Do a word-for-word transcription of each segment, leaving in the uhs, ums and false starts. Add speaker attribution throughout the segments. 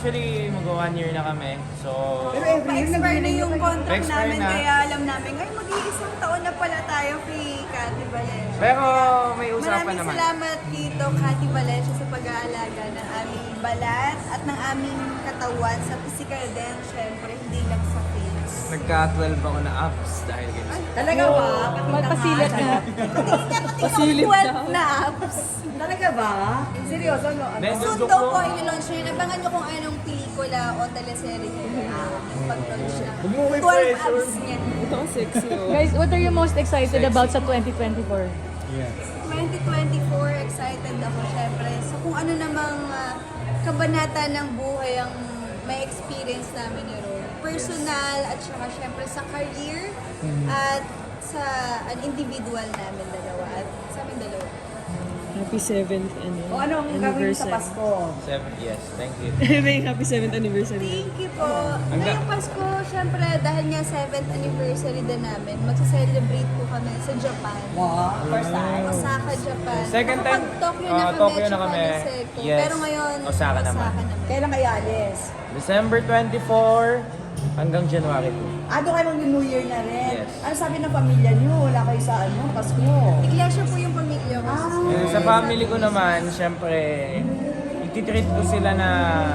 Speaker 1: actually, mag-one year na kami. So,
Speaker 2: Pero every year
Speaker 3: Pa-expire na yung contract
Speaker 1: Pa-expire
Speaker 3: namin,
Speaker 1: na.
Speaker 3: kaya alam namin, ay mag-iisang taon na pala tayo kay Cathy Valencia.
Speaker 1: pero may usapan
Speaker 3: Maraming
Speaker 1: naman.
Speaker 3: salamat dito, Cathy Valencia, sa pag-aalaga ng aming balat at ng aming katawan sa physical din, syempre, hindi lang sa face.
Speaker 1: Nagka-twelve ako na apps dahil ganyan.
Speaker 2: Talaga ba?
Speaker 4: Magpasilat na.
Speaker 3: Patingin nga, patingin
Speaker 4: Pasilip
Speaker 3: ako twelve
Speaker 4: daw.
Speaker 3: na apps.
Speaker 2: Talaga ba? Seryoso, no? Ano?
Speaker 1: Then,
Speaker 3: Soon
Speaker 1: joke
Speaker 3: daw
Speaker 1: mo.
Speaker 3: po, i-launch nyo yun. Abangan nyo kung anong pelikula o teleserye nyo yung pag-launch na.
Speaker 1: Huwag mo may
Speaker 3: twelve
Speaker 1: pressure.
Speaker 3: apps niya.
Speaker 4: Ito ang sexy. Guys, what are you most excited about sa twenty twenty-four?
Speaker 1: Yes.
Speaker 3: twenty twenty-four, excited ako syempre. So kung ano namang ah, kabanata ng buhay ang may experience namin ni Ron. Personal at saka syempre sa career at sa an individual namin dalawa at sa amin dalawa.
Speaker 4: Happy seventh ano,
Speaker 2: O ano ang gagawin sa Pasko?
Speaker 1: Seven, yes. Thank you.
Speaker 4: May happy seventh anniversary.
Speaker 3: Thank you po.
Speaker 1: Ang ga-
Speaker 3: Ngayong Pasko, syempre dahil nga seventh anniversary din namin, magsa-celebrate po kami sa Japan.
Speaker 2: Wow, first time.
Speaker 3: Osaka, Japan.
Speaker 1: Second time,
Speaker 3: Nakapag-Tokyo na
Speaker 1: ah,
Speaker 3: kami,
Speaker 1: Tokyo na
Speaker 3: tsaka
Speaker 1: kami.
Speaker 3: Niseko.
Speaker 1: Yes.
Speaker 3: Pero ngayon,
Speaker 1: Osaka naman.
Speaker 2: Kailan kayo alis?
Speaker 1: December twenty-four hanggang January two.
Speaker 2: Ah, doon kayo mag-New Year na rin.
Speaker 1: Yes.
Speaker 2: Ano sabi ng pamilya niyo? Wala kayo sa ano, Pasko?
Speaker 3: Iglesia po yung pamilya ko.
Speaker 2: Ah.
Speaker 1: Yung sa family ko naman, syempre, ititreat ko sila na,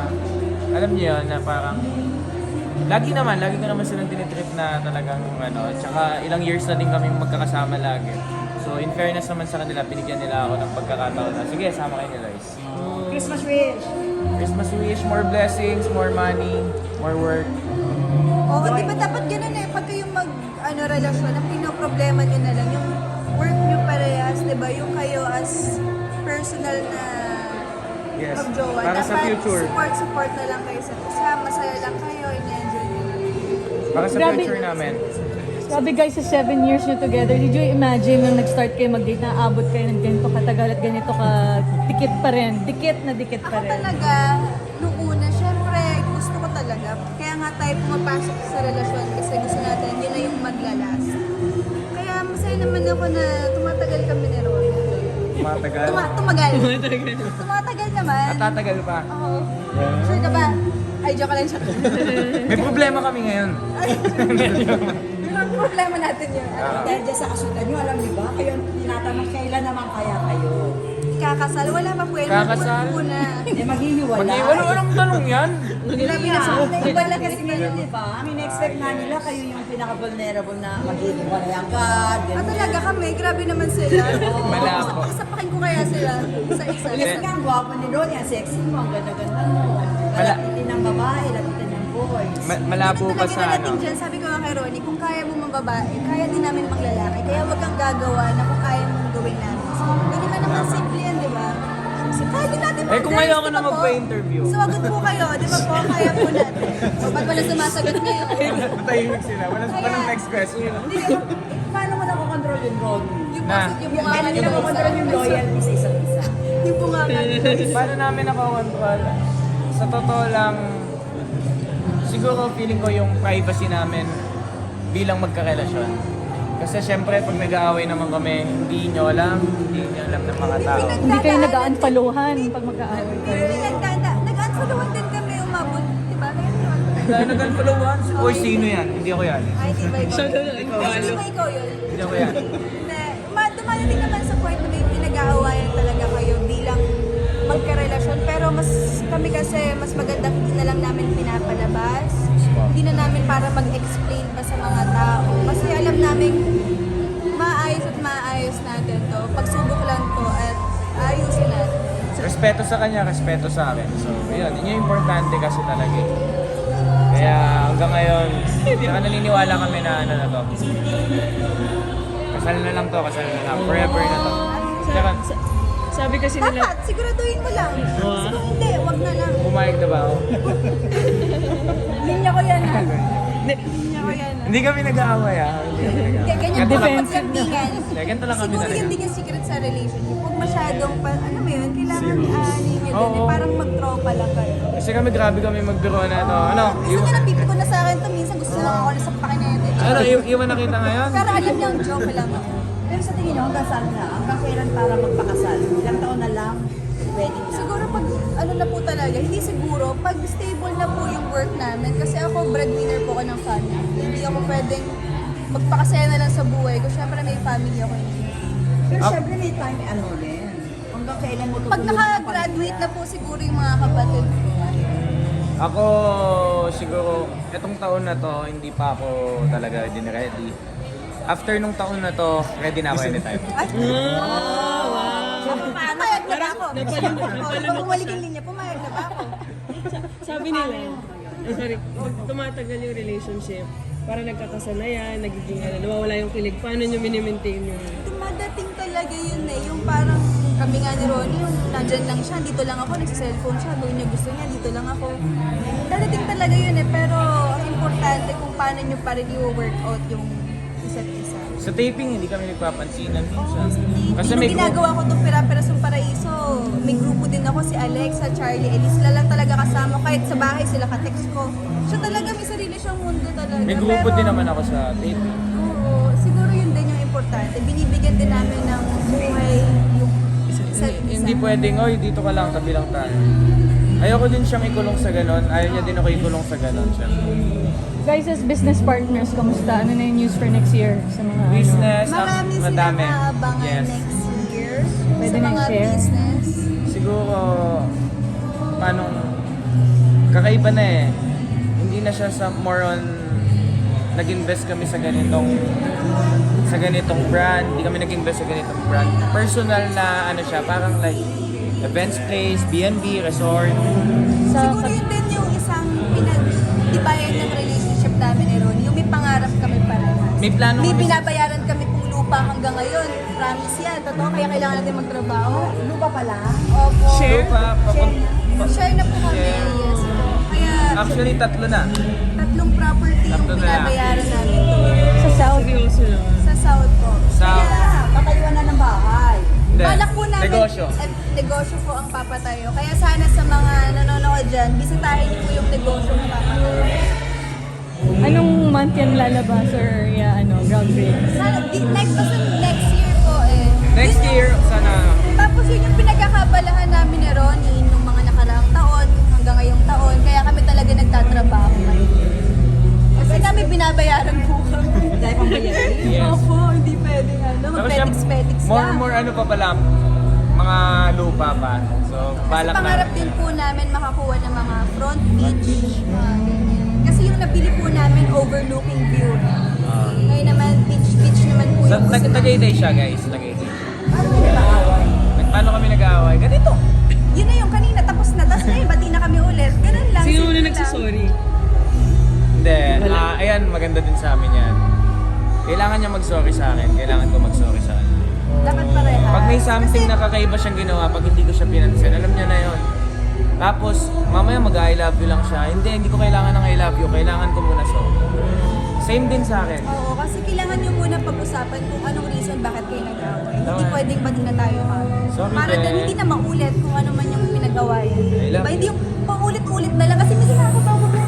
Speaker 1: alam niyo yun, na parang, lagi naman, lagi ko naman silang tinitreat na talagang, ano, tsaka ilang years na din kami magkakasama lagi. So, in fairness naman sa kanila, binigyan nila ako ng pagkakataon na, sige, sama kayo ni Lois.
Speaker 2: Christmas wish.
Speaker 1: Christmas wish, more blessings, more money, more work.
Speaker 3: Oo, di ba dapat ganun eh, pag kayong mag, ano, relasyon, ang pinoproblema nyo na lang, yung work nyo parehas, di ba? Yung kayo as personal na
Speaker 1: Yes,
Speaker 3: magjowa.
Speaker 1: para sa
Speaker 3: Dapat
Speaker 1: future.
Speaker 3: support, support na lang kayo sa isa, masaya lang kayo, in-enjoy nyo lang.
Speaker 1: Para sa
Speaker 4: Grabe.
Speaker 1: future namin.
Speaker 4: Sabi guys, sa seven years nyo together, did you imagine nung nag-start kayo mag-date na abot kayo ng ganito katagal at ganito ka dikit pa rin? Dikit na dikit pa
Speaker 3: Ako
Speaker 4: rin.
Speaker 3: talaga, nung una, syempre, gusto ko talaga. Kaya nga tayo pumapasok sa relasyon kasi gusto natin, yun na yung maglalas. Kaya masaya naman ako na tumatagal kami ni Ron.
Speaker 1: Matagal.
Speaker 3: Tuma tumagal. Tumatagal naman.
Speaker 1: At tatagal pa.
Speaker 3: Oo. Sure ka ba? Ay, joke lang siya.
Speaker 1: May problema kami ngayon.
Speaker 3: Yung problema natin yun.
Speaker 1: Ah.
Speaker 2: Dahil dyan sa kasutan niyo, alam niyo ba? Kayo ang tinatanong kailan naman kaya kayo?
Speaker 3: Kakasal, wala pa po yan.
Speaker 1: Kakasal?
Speaker 3: Magpupo na.
Speaker 2: Eh, maghihiwalay.
Speaker 1: Pag wala walang tanong yan.
Speaker 2: Grabe
Speaker 3: Yeah.
Speaker 2: na sa
Speaker 3: Iba
Speaker 2: iba
Speaker 3: lang
Speaker 2: lang kasi
Speaker 3: kasi
Speaker 2: ngayon,
Speaker 3: ngayon.
Speaker 2: di ba? I mean, expect na nila kayo yung pinaka-vulnerable na maghihiwalay agad.
Speaker 3: Ah,
Speaker 2: ganyan.
Speaker 3: talaga kami, grabe naman sila.
Speaker 1: Malabo.
Speaker 3: Sapakin ko kaya sila sa isa.
Speaker 2: Kasi nga, ang gwapo ni Ronnie, ang sexy mo, ang ganda-ganda mo.
Speaker 1: Mala-
Speaker 2: Lapitin ng babae, lapitin ng boys.
Speaker 1: Ma- malabo
Speaker 3: Ganun
Speaker 1: pa
Speaker 3: talaga
Speaker 1: sa
Speaker 3: narating
Speaker 1: ano.
Speaker 3: dyan. Sabi ko nga kay Ronnie, kung kaya mo mga babae, kaya din namin mga lalaki. Kaya wag kang gagawa na kung kaya mong gawin namin. Hindi naman naman simple yan, di ba? Kaya din natin
Speaker 1: Eh, kung
Speaker 3: mag-guys,
Speaker 1: ayaw ko
Speaker 3: di
Speaker 1: na
Speaker 3: ba po?
Speaker 1: magpa-interview.
Speaker 3: Sumagot po kayo, di ba po? Kaya po natin. O, ba't wala sumasagot ngayon?
Speaker 1: Matahimik sila. Walang,
Speaker 3: Kaya-
Speaker 1: walang next question.
Speaker 2: Hindi ka, paano mo nakokontrol yung Ronnie?
Speaker 3: Yung
Speaker 1: Na.
Speaker 3: puso, yung bunga
Speaker 2: Kailan
Speaker 3: nga
Speaker 2: nila
Speaker 3: nila
Speaker 2: nakokontrol yung loyalty sa isa't isa?
Speaker 3: Yung bunga nga nila.
Speaker 1: Paano namin nakakontrol? Sa totoo lang, siguro feeling ko yung privacy namin bilang magkarelasyon. Kasi syempre, pag nag-aaway naman kami, hindi nyo alam, hindi nyo alam ng mga tao.
Speaker 4: Hindi kayo nag-aanpaluhan pag magkaaway kayo.
Speaker 3: Nagdada, nag-unfollowan din kami umabot, di ba? Ganun.
Speaker 1: Dahil nag-unfollowan, oy, sino yan? Hindi ako yan.
Speaker 3: Ay, di ba ikaw?
Speaker 4: Siya na
Speaker 3: Ay, di ba ikaw yun?
Speaker 1: Hindi ako yan.
Speaker 3: Hindi. Ma- Dumadating naman sa point na may pinag-aawayan talaga kayo bilang magkarelasyon. Pero mas kami kasi, mas maganda hindi na lang namin pinapalabas. Hindi na namin para mag-explain pa sa mga tao. Kasi alam namin maayos at maayos natin to. Pagsubok lang to at ayusin natin.
Speaker 1: Respeto sa kanya, respeto sa akin. So, yun, yun yung importante kasi talaga eh. Kaya hanggang ngayon, saka naniniwala kami na ano na to. Kasal na lang to, kasal na lang. Forever na to. Tsaka,
Speaker 4: Sa- sabi kasi nila,
Speaker 3: Dapat, siguraduhin mo lang. Kasi kung hindi, wag na lang.
Speaker 1: pumayag na ba ako?
Speaker 3: Linya ko yan ha. Linya ko yan ha.
Speaker 1: Hindi kami nag-aaway ah. Hindi kami
Speaker 3: Hindi,
Speaker 1: nag-aaway.
Speaker 3: ganyan
Speaker 1: Ganito
Speaker 3: po
Speaker 1: lang-
Speaker 3: kapag lambingan.
Speaker 1: Kaya ganito lang kami
Speaker 3: Siguro
Speaker 1: talaga.
Speaker 3: yun din yung secret sa relationship. Huwag masyadong, pa, ano mo yun, kailangan uh, linya
Speaker 1: Oo.
Speaker 3: dun. Eh, parang mag-tropa lang kayo.
Speaker 1: Kasi kami grabe kami magbiro na to. Ano?
Speaker 3: Gusto
Speaker 1: Iw-
Speaker 3: niya napipiko na sa akin to. Minsan gusto lang ako na sa pakinete.
Speaker 1: ano, iw- iwan na kita ngayon?
Speaker 3: Pero alam niya, joke lang ako.
Speaker 2: Pero sa tingin nyo, hanggang saan na? Hanggang kailan para magpakasal? Ilang taon na lang? Wedding na?
Speaker 3: Siguro pag ano na po talaga, hindi siguro, pag stable na po yung work namin, kasi ako breadwinner po ako ng family. Hindi ako pwedeng magpakasaya na lang sa buhay ko. Siyempre may family ako.
Speaker 2: Pero
Speaker 1: Ah.
Speaker 2: syempre may time, ano rin. Hanggang kailan mo
Speaker 3: Pag
Speaker 2: tutulungan
Speaker 3: naka-graduate na po siguro yung mga kapatid ko.
Speaker 1: Ako, siguro, etong taon na to, hindi pa ako talaga din ready. After nung taon na to, ready na ako anytime.
Speaker 3: Ay, pumayag na ba ako? Oh, pag bumalik yung linya, pumayag na ba ako?
Speaker 5: Sabi nila, eh, sorry, pag tumatagal yung relationship, para nagkakasanayan, nagiging ano, nawawala yung kilig, paano nyo minimaintain yung...
Speaker 3: Dumadating talaga yun eh, yung parang kami nga ni Ronnie, yung nandyan lang siya, dito lang ako, nagsa-cellphone siya, gawin niya gusto niya, dito lang ako. Dadating talaga yun eh, pero ang importante kung paano nyo pa rin i-work out yung isa't isa.
Speaker 1: Sa taping, hindi kami nagpapansinan minsan.
Speaker 3: Kasi
Speaker 1: Kasi
Speaker 3: may
Speaker 1: may group.
Speaker 3: ginagawa ko itong Pira-Pirasong Paraiso, may grupo din ako, si Alexa, Charlie, Elise, sila lang talaga kasama, kahit sa bahay sila ka-text ko. Siya talaga, may sarili siyang mundo talaga.
Speaker 1: May grupo
Speaker 3: Pero-
Speaker 1: din naman ako sa taping.
Speaker 3: Oo, siguro yun din yung importante. Binibigyan din namin ng buhay yung isa't isa.
Speaker 1: Hindi pwedeng, oy, dito ka lang, tabi lang tayo. Ayoko din siyang ikulong sa ganon. Ayaw niya din ako ikulong sa ganon. Siyempre.
Speaker 4: Guys, as business partners, kamusta? Ano na yung news for next year sa mga ano?
Speaker 1: Business, ah,
Speaker 3: Marami silang
Speaker 1: madami.
Speaker 3: aabangan
Speaker 1: Yes.
Speaker 3: next year
Speaker 4: Pwede
Speaker 3: sa
Speaker 4: nang
Speaker 3: mga
Speaker 4: share?
Speaker 3: business.
Speaker 1: Siguro, paano, kakaiba na eh. Hindi na siya sa more on, nag-invest kami sa ganitong, sa ganitong brand. Hindi kami nag-invest sa ganitong brand. Personal na ano siya, parang like, events place, B and B, resort.
Speaker 4: Sa,
Speaker 3: Siguro yun din yung isang pinagtibayan ng relationship namin ni Ronnie. Yung may pangarap kami parehas.
Speaker 1: May plano
Speaker 3: May
Speaker 1: kami sa-
Speaker 3: binabayaran kami pong lupa hanggang ngayon. Promise yan. Totoo, kaya kailangan natin magtrabaho.
Speaker 2: Lupa pala.
Speaker 3: Opo.
Speaker 1: Share pa, papag-
Speaker 3: Share na po kami.
Speaker 1: Share.
Speaker 3: Yes po. Kaya
Speaker 1: Actually, tatlo na.
Speaker 3: tatlong property yung
Speaker 1: Tatlo na lang.
Speaker 3: binabayaran namin
Speaker 4: sa South,
Speaker 5: Seryoso lang.
Speaker 3: sa South po.
Speaker 1: Sa-
Speaker 3: Kaya,
Speaker 2: Patayuan na ng bahay.
Speaker 1: Hindi.
Speaker 3: balak po namin,
Speaker 1: Negosyo.
Speaker 3: eh, negosyo po ang papatayo. Kaya sana sa mga nanonood dyan, bisitahin niyo po yung negosyo ng papatayo.
Speaker 4: anong month yan lalabas or yeah, ano, groundbreaking?
Speaker 3: Sana, di, next, basta next year po eh.
Speaker 1: Next
Speaker 3: Yun
Speaker 1: year,
Speaker 3: yung-
Speaker 1: sana.
Speaker 3: Tapos yun yung pinagkakabalahan namin ni Ronnie nung mga nakaraang taon hanggang ngayong taon. Kaya kami talaga nagtatrabaho ngayon. Kasi kami binabayaran po kami.
Speaker 2: Dahil pang bayarin.
Speaker 1: Yes.
Speaker 3: Opo, hindi pwede ano,
Speaker 1: Saka siya,
Speaker 3: mag-petiks-petiks
Speaker 1: more,
Speaker 3: lang.
Speaker 1: more ano pa pala, mga lupa pa. So,
Speaker 3: Kasi
Speaker 1: balak
Speaker 3: pangarap
Speaker 1: na.
Speaker 3: din po namin makakuha ng mga front beach, mga ganyan. Kasi yung nabili po namin overlooking view.
Speaker 1: Ah.
Speaker 3: Ngayon naman, beach, beach naman po
Speaker 1: Sa,
Speaker 3: yung gusto
Speaker 1: nag,
Speaker 3: namin.
Speaker 1: Tagaytay siya, guys. Tagaytay.
Speaker 2: Paano mo nag-aaway?
Speaker 1: Nag- Paano kami nag-aaway? Ganito.
Speaker 3: Yun na yung kanina, tapos na. Tapos ngayon, bati na kami ulit. Ganun lang.
Speaker 5: Sino
Speaker 3: simple
Speaker 5: muna
Speaker 3: lang.
Speaker 5: nagsasorry?
Speaker 1: Hindi. ah ayan, maganda din sa amin yan. Kailangan niya mag-sorry sa akin. Kailangan ko mag-sorry sa kanya.
Speaker 3: Dapat parehas.
Speaker 1: Pag may something
Speaker 3: Kasi,
Speaker 1: na kakaiba siyang ginawa, pag hindi ko siya pinansin, alam niya na yon. Tapos, mamaya mag-I love you lang siya. Hindi, hindi ko kailangan ng I love you. Kailangan ko muna sorry. Same din sa akin.
Speaker 3: Oo, kasi kailangan nyo muna pag-usapan kung anong reason bakit kayo nag-away. Hindi
Speaker 1: Tama.
Speaker 3: pwedeng bati na tayo kami.
Speaker 1: Sorry,
Speaker 3: Para
Speaker 1: te.
Speaker 3: din hindi na maulit kung ano man yung pinag-awayan.
Speaker 1: I love
Speaker 3: Diba? Hindi yung paulit-ulit na lang kasi minsan nakakatawa ko.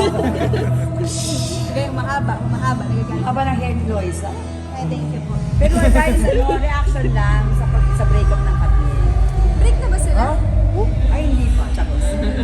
Speaker 3: Sige, yung mahaba, mahaba. Nagagalit.
Speaker 2: Aba ng hair ni Loisa.
Speaker 3: Ay, thank you po.
Speaker 2: Pero guys, ano, reaction lang sa, pag- sa breakup ng Katniel.
Speaker 3: Break na ba sila?
Speaker 2: Ay, hindi pa. Tapos.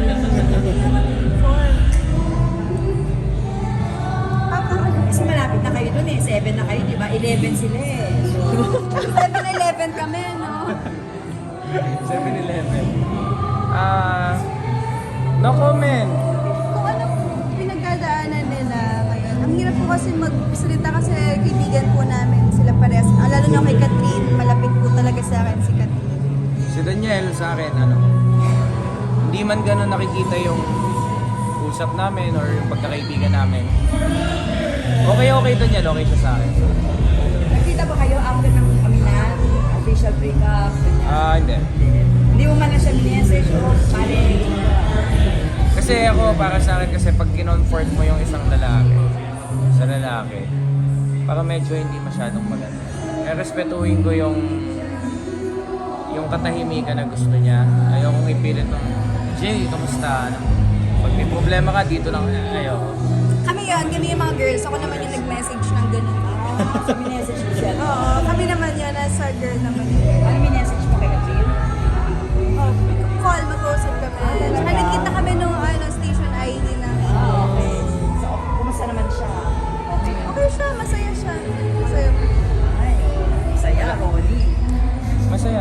Speaker 2: Kasi malapit na kayo dun eh. Seven na kayo, di ba? Eleven sila eh. So,
Speaker 3: seven eleven kami, no?
Speaker 1: seven eleven. Ah, no comment.
Speaker 3: Kung ano pinagdadaanan nila ngayon. Ang hirap po kasi magsalita kasi kaibigan po namin sila parehas. Ah, lalo na kay Catherine, malapit po talaga sa akin si Catherine.
Speaker 1: Si Daniel sa akin, ano, hindi man gano'n nakikita yung usap namin or yung pagkakaibigan namin. Okay, okay Daniel, okay siya sa akin.
Speaker 2: nakita ba kayo after ng aminan, official breakup? ganyan?
Speaker 1: Ah, hindi.
Speaker 2: Hindi mo man na siya minessage o pare.
Speaker 1: Kasi ako, para sa akin, kasi pag kinonfort mo yung isang lalaki sa lalaki, para medyo hindi masyadong maganda. Eh, respetuhin ko yung yung katahimikan na gusto niya. Ayokong ipilit ng, Jay, kamusta? Ano? Pag may problema ka, dito lang. Ayoko.
Speaker 3: Kami yun, kami yung mga girls. Ako naman yung nag-message ng ganun.
Speaker 2: So, minessage mo siya.
Speaker 3: Oo, kami naman yun, nasa girl naman yun.
Speaker 2: Ano minessage mo kay Katrin?
Speaker 3: Oh, call, mag-usap kami.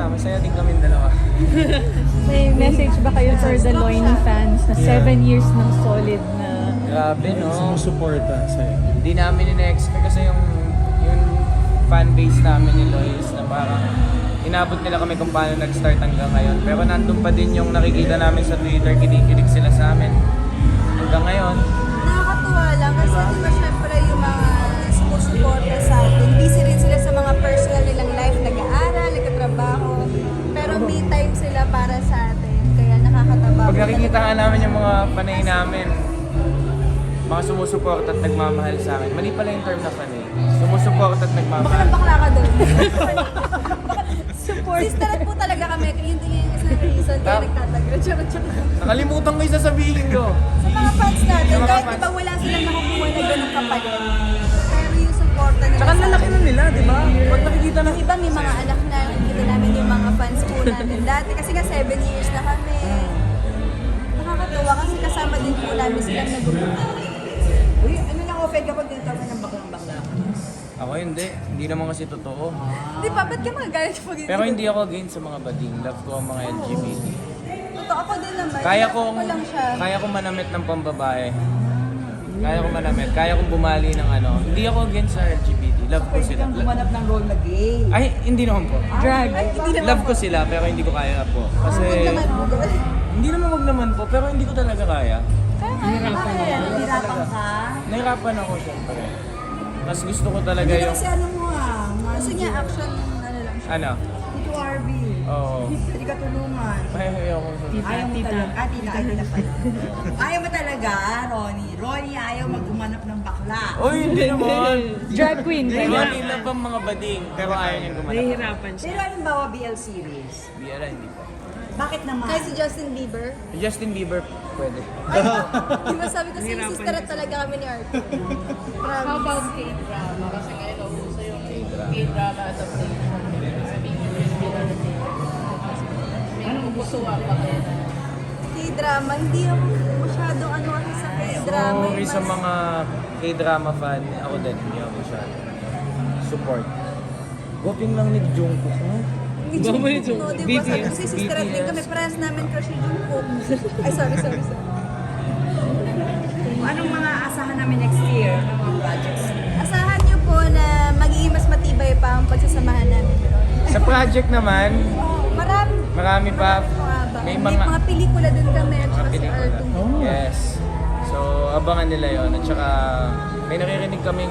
Speaker 1: masaya din kami dalawa.
Speaker 4: May message ba kayo for the Loiny fans na seven years ng solid na
Speaker 1: Grabe, no?
Speaker 6: Sumusuporta sa'yo.
Speaker 1: Hindi namin ina-expect kasi yung, yung fan base namin ni Lois na parang inabot nila kami kung paano nag-start hanggang ngayon. Pero nandun pa din yung nakikita namin sa Twitter, kinikilig sila sa amin. Hanggang ngayon,
Speaker 3: Nakakatuwa lang kasi di ba syempre yung mga sumusuporta sa atin, busy rin sila sa mga personal nilang life, nag-aaral, nagkatrabaho, pero may time sila para sa atin, kaya nakakataba.
Speaker 1: pag nakikita nga namin yung mga panay namin, mga sumusuporta at nagmamahal sa amin. Mali pala yung term na panay. Sumusuporta at
Speaker 3: Baka
Speaker 1: nagmamahal.
Speaker 3: lang bakla ka doon. Sister po talaga kami, yun din yung isa na reason kaya
Speaker 1: Tap-
Speaker 3: nagtatagal. Charot, charot.
Speaker 1: Nakalimutan ko yung sasabihin ko.
Speaker 3: Sa mga fans natin,
Speaker 1: Sa mga
Speaker 3: kahit
Speaker 1: fans.
Speaker 3: diba wala silang nakukuha na ganun kapalit, pero yung supporta nila
Speaker 1: Tsaka
Speaker 3: sa
Speaker 1: lalaki
Speaker 3: atin.
Speaker 1: na nila, di ba? Pag nakikita na...
Speaker 3: Yung iba may mga anak na, nakikita namin yung mga fans po namin dati kasi nga seven years na kami. Nakakatuwa kasi kasama din po namin silang nag-group.
Speaker 2: Uy, ano lang offend kapag tinatawag ng baklang-bakla?
Speaker 1: Ako hindi. Hindi naman kasi totoo.
Speaker 3: Di ba? Ba't ka magagalit pag
Speaker 1: Pero hindi ako against sa mga bading. Love ko ang mga L G B T.
Speaker 3: Totoo ako din naman.
Speaker 1: Kaya
Speaker 3: Love
Speaker 1: kong
Speaker 3: ko lang siya.
Speaker 1: kaya kong manamit ng pambabae. Kaya kong manamit. Kaya kong bumali ng ano. Hindi ako against sa L G B T. Love ko
Speaker 2: Pwede
Speaker 1: sila.
Speaker 2: kang gumanap ng role na gay.
Speaker 1: Ay, hindi naman po.
Speaker 4: drag?
Speaker 3: Ay, hindi naman
Speaker 1: Love
Speaker 3: po.
Speaker 1: ko sila pero hindi ko kaya po. Kasi
Speaker 3: Huwag naman po.
Speaker 1: hindi naman wag naman po pero hindi ko talaga kaya.
Speaker 3: Kaya kaya naman.
Speaker 2: Nahirapan ka?
Speaker 1: Nahirapan ako syempre. Mas gusto ko talaga
Speaker 2: Hindi
Speaker 1: yung
Speaker 2: kasi ano mo ah.
Speaker 3: Gusto niya action, ano lang siya.
Speaker 1: ano.
Speaker 2: Dito R B.
Speaker 1: Oo.
Speaker 2: Hindi ka tulungan.
Speaker 1: Ay, ayoko sa
Speaker 2: Ayaw mo talaga. Ah, tita, ay, tita pala. Ayaw mo talaga, Ronnie. Ronnie, ayaw maggumanap ng bakla.
Speaker 1: Uy, hindi naman.
Speaker 4: Drag queen kayo?
Speaker 1: Ronnie love ang mga bading pero ayaw niyang gumanap.
Speaker 5: Nahihirapan siya.
Speaker 2: Pero anong bawa B L series?
Speaker 1: Biyara, hindi po.
Speaker 2: Bakit naman?
Speaker 3: Kaya si Justin Bieber.
Speaker 1: Justin Bieber, pwede.
Speaker 3: Di ba sabi ko sa sister at talaga kami ni Arthur. Promise. How about
Speaker 7: K-drama? Kasi ngayon nauso yung
Speaker 1: K-drama.
Speaker 7: K-drama adaptation. Sabihin mo yung reality. May napupusuan pa kayo na.
Speaker 3: K-drama? Hindi ako masyadong ano kasi sa K-drama.
Speaker 1: Sorry
Speaker 3: Mas-
Speaker 1: sa mga K-drama fan, ako din, hindi ako masyado. Support. Goping lang ni Jungkook, no?
Speaker 3: Ni
Speaker 5: Baba ni
Speaker 3: Jungkook,
Speaker 5: Jungkook.
Speaker 3: no? Di ba sabi ko
Speaker 5: B T S.
Speaker 3: si sister at din kami, parehas namin crush si Jungkook. Ay, sorry, sorry, sorry.
Speaker 2: Anong mga asahan namin next year ng mga projects?
Speaker 3: Asahan niyo po na magiging mas matibay pa ang pagsasamahan namin.
Speaker 1: Sa project naman,
Speaker 3: Marami.
Speaker 1: marami pa.
Speaker 3: May
Speaker 1: May
Speaker 3: mga,
Speaker 1: mga
Speaker 3: pelikula din kami at
Speaker 1: mga
Speaker 3: saka si
Speaker 1: pelikula.
Speaker 3: Arthur.
Speaker 1: Yes. So, abangan nila yon. At saka, may naririnig kaming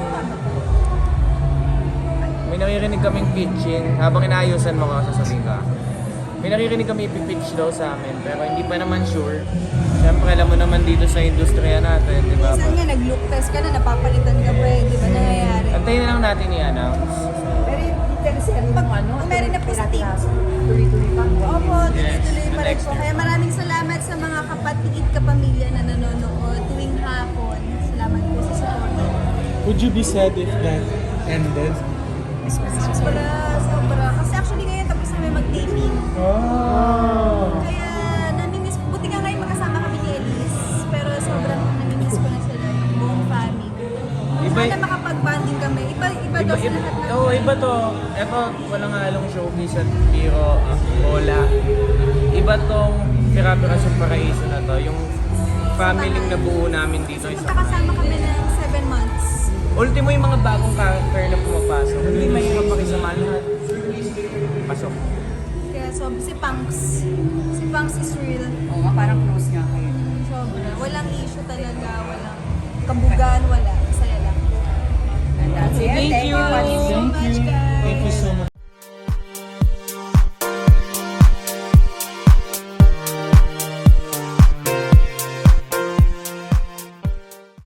Speaker 1: may naririnig kaming pitching. Habang inaayusan mo ka, sasabihin ka. May naririnig kami ipipitch daw sa amin, pero hindi pa naman sure. Siyempre, alam mo naman dito sa industriya natin, di ba?
Speaker 3: Minsan nga nag-look test ka na, napapalitan ka pa eh. Di ba nangyayari?
Speaker 1: Antayin na lang natin i-announce.
Speaker 2: Pero yung teleserye mo ano?
Speaker 3: Kung meron na positive.
Speaker 2: Tuloy-tuloy pa.
Speaker 3: Opo,
Speaker 1: Yes,
Speaker 3: tuloy-tuloy pa rin
Speaker 1: next
Speaker 3: po.
Speaker 1: year.
Speaker 3: Kaya maraming salamat sa mga kapatid kapamilya na nanonood tuwing hapon. Salamat po sa support.
Speaker 6: Would you be sad if that ended?
Speaker 3: Sobra, sobra. Kasi actually ngayon tapos na may mag-taping.
Speaker 6: Oh!
Speaker 3: Kaya namimiss, buti nga ngayon magkasama kami ni Elise. Pero sobrang namimiss ko na sila, yung buong family.
Speaker 1: Iba-
Speaker 3: Sana makapag-banding kami. Iba, iba,
Speaker 1: Iba,
Speaker 3: daw sa
Speaker 1: iba,
Speaker 3: lahat ng...
Speaker 1: oh, iba to. Ito, walang halong showbiz at biro, ah, bola. Iba tong Pira-Pira sa Paraiso na to. Yung family na buo namin dito.
Speaker 3: Kasi
Speaker 1: Isa.
Speaker 3: magkakasama kami ng seven months.
Speaker 1: Ultimo yung mga bagong character na pumapasok. Hindi mahirap makisama lahat. Pasok.
Speaker 3: Kaya so, si Punks. Si Punks is real.
Speaker 2: Oo nga, parang close nga kayo.
Speaker 3: Sobra. Walang issue talaga. Walang kabugan. Wala. Masaya lang.
Speaker 2: And that's it.
Speaker 5: Thank you.
Speaker 3: Thank you so
Speaker 6: Thank
Speaker 3: much,
Speaker 6: you.
Speaker 3: guys.
Speaker 6: Thank you so